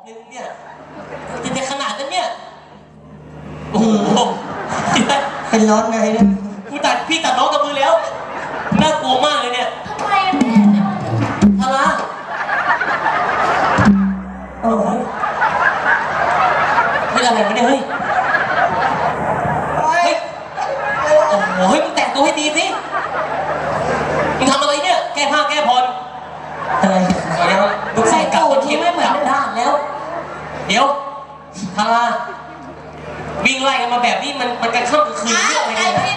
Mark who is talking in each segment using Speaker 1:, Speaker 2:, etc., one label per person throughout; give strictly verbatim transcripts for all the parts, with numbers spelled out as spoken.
Speaker 1: นึงเนี่ยจะในขนาดนั้นเนี่ยโอ้โห
Speaker 2: เป็นร้อนไงเนี่ย
Speaker 1: กูตัดพี่ตัดน้องกับมือแล้วน่ากลัวมากเลยเนี่ย
Speaker 3: ทำไมแม่
Speaker 1: ทารา
Speaker 2: โอ้โห
Speaker 1: ไม่อะไรวะเนี่ยเฮ้ยเฮ้ยโอ้โหเฮ้ยมึงแต่งตัวให้ดีสิมึงทำอะไรเนี่ยแก้ผ้าแก้ผ่อน
Speaker 2: อะไร
Speaker 1: เดี๋ยวลูกใส่กลับทีไม่เหมือนด้านแล้วเดี๋ยวทาราวิ่งไล่กันมาแบบนี้มันมันกันข้ามกันคืนเรื่องอะไรกันนะ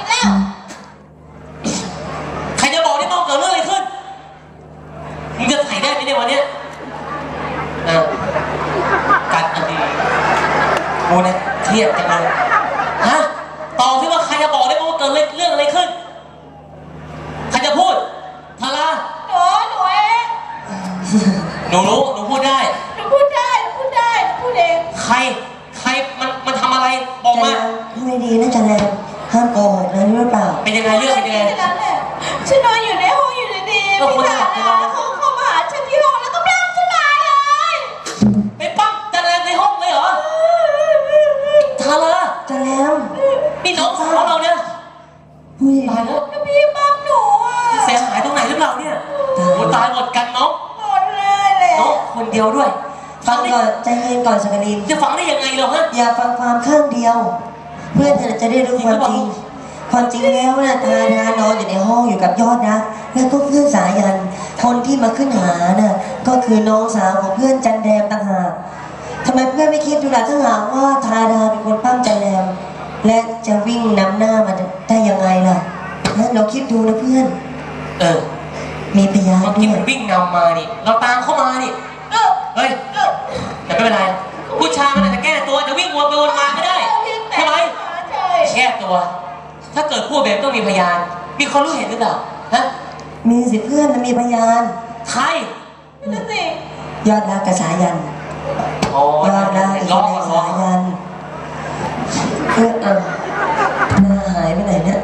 Speaker 1: ใครจะบอกได้บ้างเกิดเรื่องอะไรขึ้นมึงจะถ่ายได้ไหมเนี่ยวันนี้อ่ะกัดอันดีโอ้เนี่ยเครียดจังเลยฮะตอบที่ว่าใครจะบอกได้บ้างว่าเกิดเรื่องอะไรขึ้นใครจะพูดทารา
Speaker 3: หนูหนูเอง
Speaker 1: หนูรู้หนูพูดได้
Speaker 3: หนูพูดได้หนูพูดได้หนูพูดเอง
Speaker 1: ใครใครมันมันทำอะไรบอกมา
Speaker 2: ไม่ดีนะจันแรมห้ามโกหกนะรู้หรือเปล่า
Speaker 1: เป็นยังไงเรื่องเป็นยังไง
Speaker 3: ฉันนอนอยู่ในห้องอยู่ดีๆพี่ทาราเขาเข้ามาหาฉันที่ห้องแล้วก็ปล้ำฉันมาเลย
Speaker 1: ไปปั๊มจันแรมในห้องเลยเหรอทารา
Speaker 2: จันแรม
Speaker 1: นี่น้องสาวเราเนี่ยตายแล้ว
Speaker 3: พี่ปั๊มหนูอ่ะ
Speaker 1: เสียหายตรงไหนหรือเปล่าเนี่ยโอ้ตายหมดกันน้อง
Speaker 3: หมดเลยแหละ
Speaker 1: น้องคนเดียวด้วย
Speaker 2: ฟังก่อนใจเย็นก่อนสักนิด
Speaker 1: จะฟังได้ยังไงเราฮะ
Speaker 2: อย่าฟังความข้างเดียวเพื่อนเธอจะได้รู้ความจริงความจริงแล้วนะทาดานอนอยู่ในห้องอยู่กับยอดนะแล้วก็เพื่อนสายันคนที่มาขึ้นหาน่ะก็คือน้องสาวของเพื่อนจันแรมต่างหากทำไมเพื่อนไม่คิดดูล่ะถ้าหากว่าทาดาเป็นคนปั้มจันแรมและจะวิ่งนำหน้ามาได้ยังไงล่ะนะเราคิดดูนะเพื่อน
Speaker 1: เออ
Speaker 2: มีพยาน
Speaker 1: บางทีมันวิ่งนำมานี่เราตามเข้ามานี่เฮ้ยแต่ไม่เป็นไรผู้ชายมันอาจจะแก้ตัวจะวิ่งวนไปวนมาไม่ได้ใช่ไหมแก้ตัวถ้าเกิดพูดแบบต้องมีพยานมีคนรู้เห็นหรือเปล่าฮะ
Speaker 2: มีสิเพื่อนมีพยาน
Speaker 1: ใคร
Speaker 3: นั่นสิ
Speaker 2: ยอดรักกับสายันยอดรักกับสายันเพื่อนอ่ะหน้าหายไปไหนเนี่ย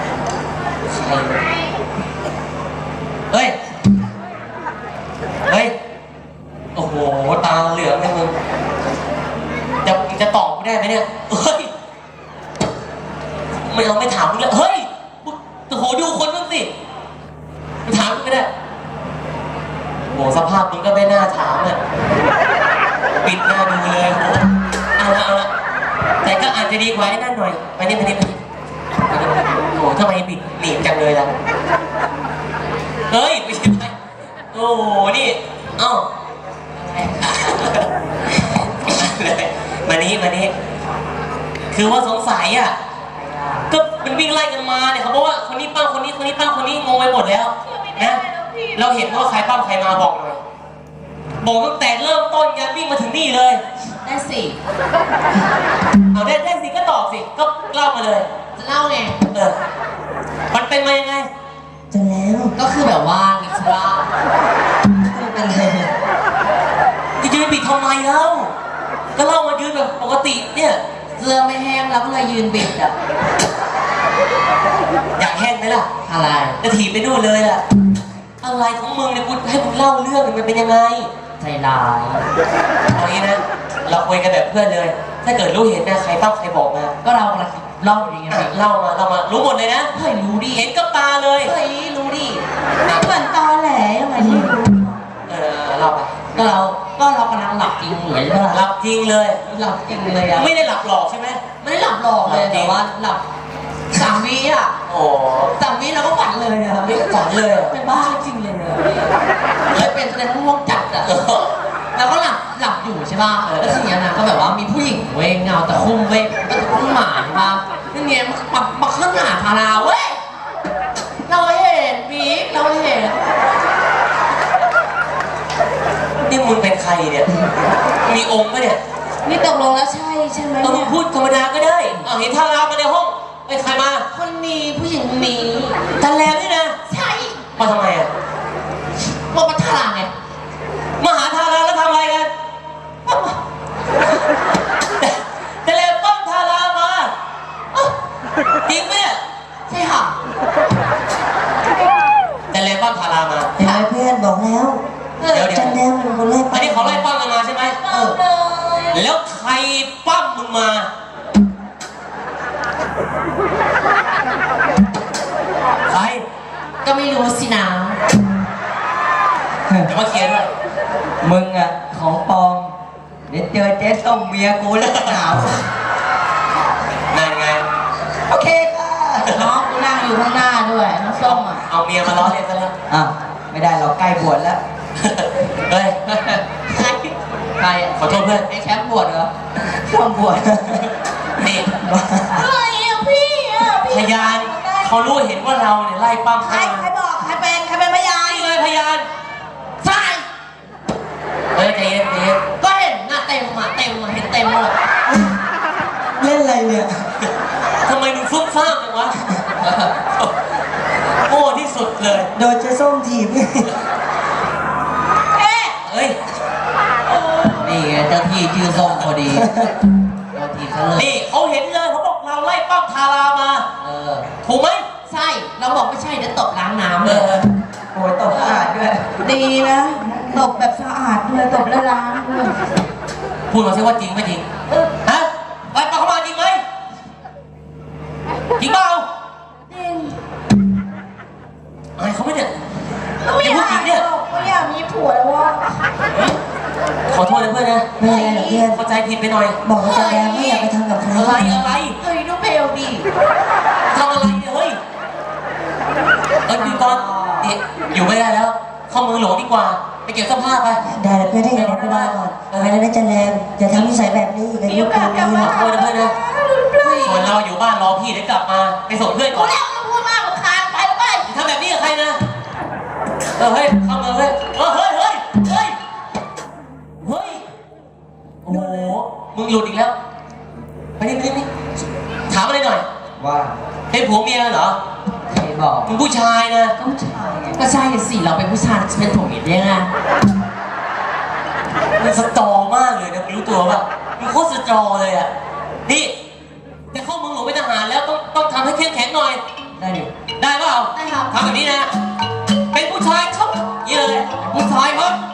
Speaker 1: เฮ้ยเฮ้ยโอ้โหตาเหลืองเลยมึงจะจะตอบไม่ได้ไหมเนี่ยเฮ้ยไม่เอาไม่ถามมึงเลยเฮ้ยโอ้โหดูคนมึงสิถามมึงไม่ได้โอ้สภาพมึงก็ไม่น่าถามอ่ะปิดหน้าดูเลยโอ้เอาละเอาละแต่ก็อาจจะดีกว่าไอ้นั่นหน่อยไปนี่ไปนี่ไปนี่โอ้ทำไมปิดหนีบจังเลยล่ะเฮ้ยไม่ใช่ไหมโอ้นี่เอ้ามานี้มานี้คือว่าสงสัยอ่ะก็มันวิ่งไล่กันมาเนี่ยเขาบอกว่าคนนี้ปั้มคนนี้คนนี้ปั้มคนนี้งงไปหมดแล้วนะเราเห็นว่าใครปั้มใครมาบอกหน่อยบอกตั้งแต่เริ่มต้นยันวิ่งมาถึงนี่เลย
Speaker 3: ได้สิ
Speaker 1: เอาได้ได้สิก็ตอบสิก็เล่ามาเลย
Speaker 3: จะเล่าไง
Speaker 1: เออมันเป็นมายังไง
Speaker 2: จะแล้ว
Speaker 3: ก็คือแบบว่านิสรา
Speaker 2: เป็นไง
Speaker 1: จะยืนปิดทำไมแล้วก็เล่ามายืนแบบปกติเนี่ย
Speaker 3: เสื้อไม่แห้งแล้วก็เลยยืนบิดอ่ะ
Speaker 1: อยากแห้งไหมล่ะ
Speaker 3: อะไร
Speaker 1: จะถีบไปนู่นเลยอ่ะอะไรของมึงเนี่ยกูให้มึงเล่าเรื่องมันเป็นยังไง
Speaker 3: ใจร้าย
Speaker 1: เอางี้นะเราคุยกันแบบเพื่อนเลยถ้าเกิดรู้เห็นนะใครปั้มใครบอกมา
Speaker 3: ก็เรากำลังเล่าอย่างเงี้ย
Speaker 1: เล่ามาเล่ามารู้หมดเลยนะ
Speaker 3: เฮ้ยรู้ดิ
Speaker 1: เห็นกับตาเลย
Speaker 3: เฮ้ยรู้ดิไม่เหมือนตอแหลยังไงที่รู้
Speaker 1: เออเล่าไป
Speaker 3: ก็เราก็เรากำลังหลับจริงเลยใช่ไหม
Speaker 1: หลับจริงเลย
Speaker 3: หลับจริงเลยอะ
Speaker 1: ไม่ได้หลับหลอกใช่ไหม
Speaker 3: ไม่ได้หลับหลอกเลยแต่ว่าหลับสามวิอ่ะ
Speaker 1: โอ้
Speaker 3: สามวิเราก็ฝันเลยอะ
Speaker 1: ฝันเลย
Speaker 3: เป็นบ้าจริงเลยอะแล้วเป็นแสดงว่าง่วงจัดอะแล้วก็หลับหลับอยู่ใช่ป่ะแล้วทีนี้นะก็แบบว่ามีผู้หญิงเว้ยเงาแต่คุ้มเว้ยก็จะต้องหมาใช่ป่ะนี่เงี้ยมามาขึ้นหาพาราเว้ยเราเห็นบี๊เราเห็น
Speaker 1: นี่มึงเป็นใครเนี่ยมีองค์ปะเนี่ย
Speaker 3: นี่ตกลงแล้วใช่ใช่ไหม
Speaker 1: เออมึงพูดธรรมดาก็ได้เอาเห็นทารามาในห้องไอ้ใครมา
Speaker 3: คนนี้ผู้หญิงนี้
Speaker 1: จันแรมนี่นะ
Speaker 3: ใช่
Speaker 1: มาทำไมอ่ะ
Speaker 3: มาประทาไง
Speaker 1: มาหาทาราแล้วทำอะไรกันจันแรมปั้มทารามาจริงไหมเนี่ย
Speaker 3: ใช่ค่ะ
Speaker 1: จันแรมปั้มทารามา
Speaker 2: เห็นไหมเพื่อนบอกแล้ว
Speaker 1: เดี๋ยวเดี๋ยว
Speaker 2: จันแรมเป็นคนไล่ปั้ม
Speaker 1: อันนี้เขาไล่ปั้มกันมาใช่ไหม
Speaker 3: เออเลย
Speaker 1: แล้วใครปั้มมึงมาใคร
Speaker 3: ก็ไม่รู้สินะ
Speaker 1: เดี๋ยวมาเคลียร์ด้วย
Speaker 2: มึงอะของปลอมเดี๋ยวเจอเจ๊ส้มเมียกูแล้วหนาว
Speaker 1: นั่นไง
Speaker 2: โอเคค่ะ
Speaker 3: น้องกูนั่งอยู่ข้างหน้าด้วยน้องส้มอ่ะ
Speaker 1: เอาเมียมาล้อเล่นซะแล้ว
Speaker 2: อ่ะไม่ได้เราใกล้บวชแล้ว
Speaker 1: เฮ้ย
Speaker 3: ใครใคร
Speaker 1: ขอโทษเพื่อน
Speaker 3: ไอ้แชมป์บวชเหรอ
Speaker 2: ช่วงบวช
Speaker 1: นี่
Speaker 3: เฮ้ยอ่ะพี่อ่ะพี่
Speaker 1: พยานเขารู้เห็นว่าเราเนี่ยไล่ปั้ม
Speaker 3: ใคร
Speaker 1: เขา
Speaker 3: ใครบอกใครเป็นใครเป็นพยาน
Speaker 1: นี่เลยพยาน
Speaker 3: ใช่
Speaker 1: เฮ้ยใจเย็นใจเย็น
Speaker 3: ก็เห็นหน้าเต็มอ่ะเต็มอ่ะเห็นเต็มหมด
Speaker 2: เล่นอะไรเนี่ย
Speaker 1: ทำไมมึงฟุ้งซ่ามจังวะโง่ที่สุดเลย
Speaker 2: โดนเจ๊ส้มถีบ
Speaker 3: เอ๊ะ
Speaker 1: เฮ้ย
Speaker 3: นี่ไงเจ้าที่ชื่อส้มพอดีเจ้าที่เขาเลย
Speaker 1: นี่เขาเห็นเลยเขาบอกเราไล่ปั้มทารามา
Speaker 3: เออ
Speaker 1: ถูกไหม
Speaker 3: ใช่เราบอกไม่ใช่เดี๋ยวตบล้างน้ำ
Speaker 1: เอ
Speaker 3: เลย
Speaker 1: อ
Speaker 2: โอ้ยตกสะอาดด้วย
Speaker 3: ดีนะตบแบบสะอาดด้วยตบแล้วล้างด้วย
Speaker 1: พูดมาสิว่าจริงไม่จริงฮะไล่ปั้มเขามาจริงไหมจริงเปล่า
Speaker 3: จริง
Speaker 1: อายเขาไหมเนี่ย
Speaker 3: ก็ไม่อยากก็อยากมีผัวแล้ววะ
Speaker 1: ขอโทษนะเพื่อนนะ
Speaker 2: ไม่เป็นไรหรอกเพื่อน
Speaker 1: เข้าใจผิดไปหน่อย
Speaker 2: บอกกับจันแดงไม่อยากไปทำกับใคร
Speaker 1: อะไรอะไร
Speaker 3: เฮ้ยดูเพลดี
Speaker 1: ทำอะไรเนี่ยเฮ้ยเอ้ยพี่กอนนี่อยู่ไม่ได้แล้ว เข้าเมืองหลวงดีกว่า ไปเก็บเสื้อผ้าไป
Speaker 2: ได้แล้วเพื่อนได้ยังไงไปได้ก่อนไปแล้วนะจันแดงอย่าทำนิสัยแบบนี้อีกใน
Speaker 3: มี
Speaker 2: ยุ
Speaker 3: โอ
Speaker 2: ค
Speaker 3: กาสกลับ
Speaker 2: นี้
Speaker 3: มา
Speaker 2: นะ
Speaker 1: ขอโทษนะเพื่อนนะ ส่วนเราอยู่บ้านรอพี่เดี๋ยวกลับมา ไปส่งเพื่อนก่
Speaker 3: กู
Speaker 1: อน
Speaker 3: แล้วมึงพูดมากมึงคานไปแล้วไป
Speaker 1: ทำแบบนี้กับใครนะ เออเฮ้ยเข้าเมืองเฮ้ยเออเฮ้ยเฮ้ยเฮ้ยเฮ้ยโอ้โหมึงหลุดอีกแล้ว ไปนี่ไปนี่ไปนี่ถามอะไรหน่อย
Speaker 2: ว่า
Speaker 1: เป็นผัวเมียเหรอ
Speaker 3: ใครบอก
Speaker 1: มึงผู้ชายนะ
Speaker 3: ก็ผู้ชายไงก็ใช่สิเราเป็นผู้ชายจะเป็นผัวเมียได้ไง
Speaker 1: มึงสตรอมากเลยนะมึงรู้ตัวป่ะมึงโคตรสตรอเลยอ่ะ นี่จะเข้าเมืองหลวงเป็นทหารแล้วต้องต้องทำให้เข้มแข็งหน่อย
Speaker 2: ได้ดิ
Speaker 1: ได้เปล่า
Speaker 3: ได้ครับ
Speaker 1: ทำแบบนี้นะ เป็นผู้ชายครับนี่เลยผู้ชายครับ